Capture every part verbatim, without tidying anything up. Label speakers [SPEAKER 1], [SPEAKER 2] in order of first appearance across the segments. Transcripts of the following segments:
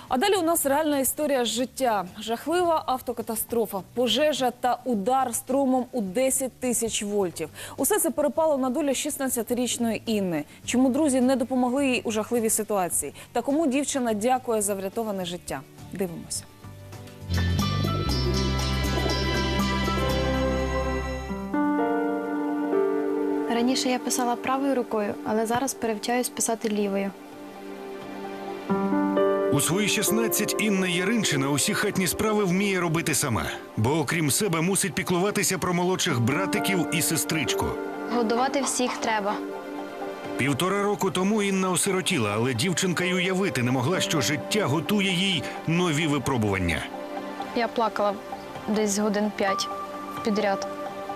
[SPEAKER 1] А далі у нас реальна історія з життя. Жахлива автокатастрофа, пожежа та удар струмом у десять тисяч вольтів. Усе це перепало на долю шістнадцятирічної Інни. Чому друзі не допомогли їй у жахливій ситуації? Та кому дівчина дякує за врятоване життя? Дивимося.
[SPEAKER 2] Раніше я писала правою рукою, але зараз перевчаюсь писати лівою.
[SPEAKER 3] У свої шістнадцять Інна Яринчина усі хатні справи вміє робити сама. Бо окрім себе мусить піклуватися про молодших братиків і сестричку.
[SPEAKER 2] Годувати всіх треба.
[SPEAKER 3] Півтора року тому Інна осиротіла, але дівчинка й уявити не могла, що життя готує їй нові випробування.
[SPEAKER 2] Я плакала десь годин п'ять підряд.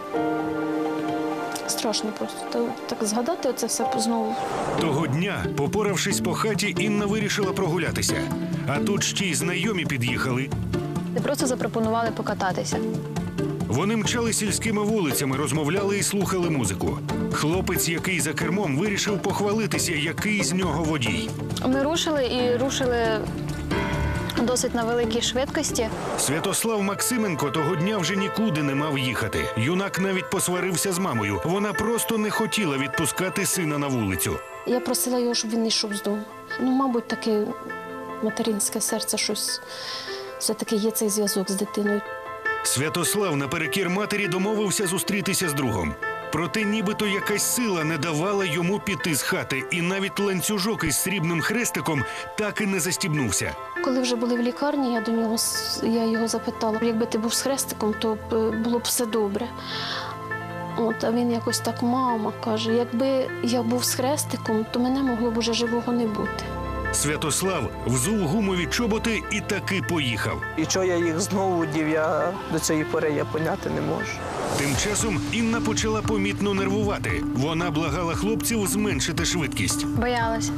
[SPEAKER 4] Страшно просто так згадати оце все знову.
[SPEAKER 3] Того дня, попоравшись по хаті, Інна вирішила прогулятися. А тут ще й знайомі під'їхали.
[SPEAKER 2] Ти просто запропонували покататися.
[SPEAKER 3] Вони мчали сільськими вулицями, розмовляли і слухали музику. Хлопець, який за кермом, вирішив похвалитися, який з нього водій.
[SPEAKER 2] Ми рушили і рушили досить на великій швидкості.
[SPEAKER 3] Святослав Максименко того дня вже нікуди не мав їхати. Юнак навіть посварився з мамою. Вона просто не хотіла відпускати сина на вулицю.
[SPEAKER 4] Я просила його, щоб він не йшов з дому. Ну, мабуть, таке материнське серце щось. Все-таки є цей зв'язок з дитиною.
[SPEAKER 3] Святослав наперекір матері домовився зустрітися з другом. Проте нібито якась сила не давала йому піти з хати, і навіть ланцюжок із срібним хрестиком так і не застібнувся.
[SPEAKER 4] Коли вже були в лікарні, я до нього я його запитала, якби ти був з хрестиком, то було б все добре. От, а він якось так, мама, каже, якби я був з хрестиком, то мене могло б уже живого не бути.
[SPEAKER 3] Святослав взув гумові чоботи і таки поїхав.
[SPEAKER 5] І чого я їх знову дів, я до цієї пори я поняти не можу.
[SPEAKER 3] Тим часом Інна почала помітно нервувати. Вона благала хлопців зменшити швидкість.
[SPEAKER 2] Боялась.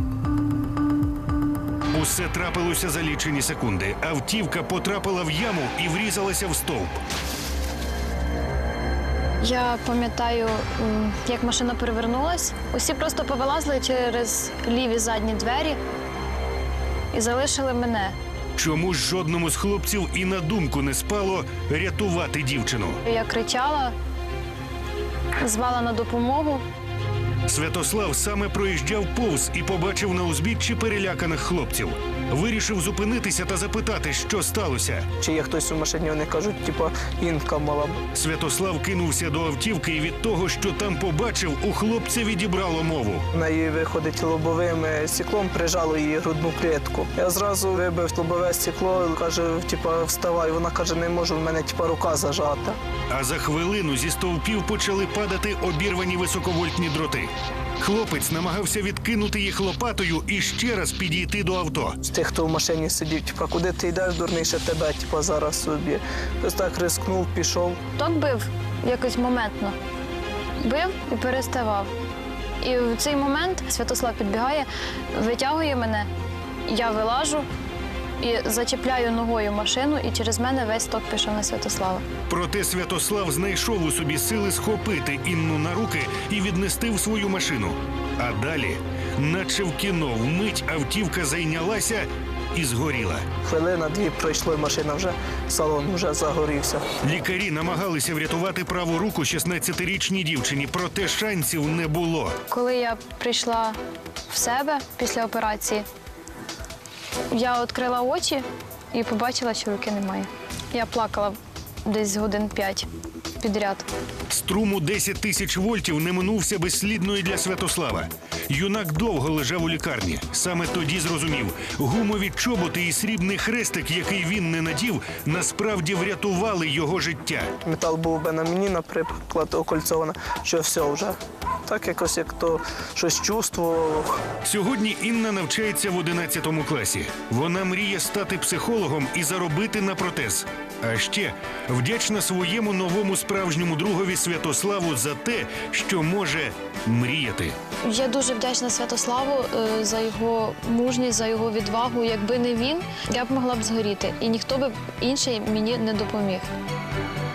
[SPEAKER 3] Усе трапилося за лічені секунди. Автівка потрапила в яму і врізалася в стовп.
[SPEAKER 2] Я пам'ятаю, як машина перевернулась. Усі просто повилазили через ліві задні двері і залишили мене.
[SPEAKER 3] Чому ж жодному з хлопців і на думку не спало рятувати дівчину?
[SPEAKER 2] Я кричала, звала на допомогу.
[SPEAKER 3] Святослав саме проїжджав повз і побачив на узбіччі переляканих хлопців. Вирішив зупинитися та запитати, що сталося.
[SPEAKER 5] Чи є хтось у машині, вони кажуть, типу, Інка мала б.
[SPEAKER 3] Святослав кинувся до автівки і від того, що там побачив, у хлопця відібрало мову.
[SPEAKER 5] В неї виходить лобовим стеклом, прижало її грудну клітку. Я зразу вибив лобове стекло, каже, типу, вставай. Вона каже, не можу, в мене типу, рука зажата.
[SPEAKER 3] А за хвилину зі стовпів почали падати обірвані високовольтні дроти. Хлопець намагався відкинути їх лопатою і ще раз підійти до авто.
[SPEAKER 5] З тих, хто в машині сидів, типу, куди ти йдеш, дурніше тебе, типу, зараз собі. Ось так рискнув, пішов.
[SPEAKER 2] Ток бив якось моментно. Бив і переставав. І в цей момент Святослав підбігає, витягує мене, я вилажу і зачіпляю ногою машину, і через мене весь ток пішов на Святослава.
[SPEAKER 3] Проте Святослав знайшов у собі сили схопити Інну на руки і віднести в свою машину. А далі, наче в кіно, вмить автівка зайнялася і згоріла.
[SPEAKER 5] Хвилина-дві пройшло, і машина вже, салон вже загорівся.
[SPEAKER 3] Лікарі намагалися врятувати праву руку шістнадцятирічній дівчині, проте шансів не було.
[SPEAKER 2] Коли я прийшла в себе після операції, я відкрила очі і побачила, що руки немає. Я плакала десь годин п'ять підряд.
[SPEAKER 3] Струм у десять тисяч вольтів не минувся безслідно і для Святослава. Юнак довго лежав у лікарні. Саме тоді зрозумів, гумові чоботи і срібний хрестик, який він не надів, насправді врятували його життя.
[SPEAKER 5] Метал був би на мені, наприклад, окольцовано, що все вже. Так якось, як то щось чувствував.
[SPEAKER 3] Сьогодні Інна навчається в одинадцятому класі. Вона мріє стати психологом і заробити на протез. А ще вдячна своєму новому справжньому другові Святославу за те, що може мріяти.
[SPEAKER 2] Я дуже вдячна Святославу е, за його мужність, за його відвагу. Якби не він, я б могла б згоріти. І ніхто б інший мені не допоміг.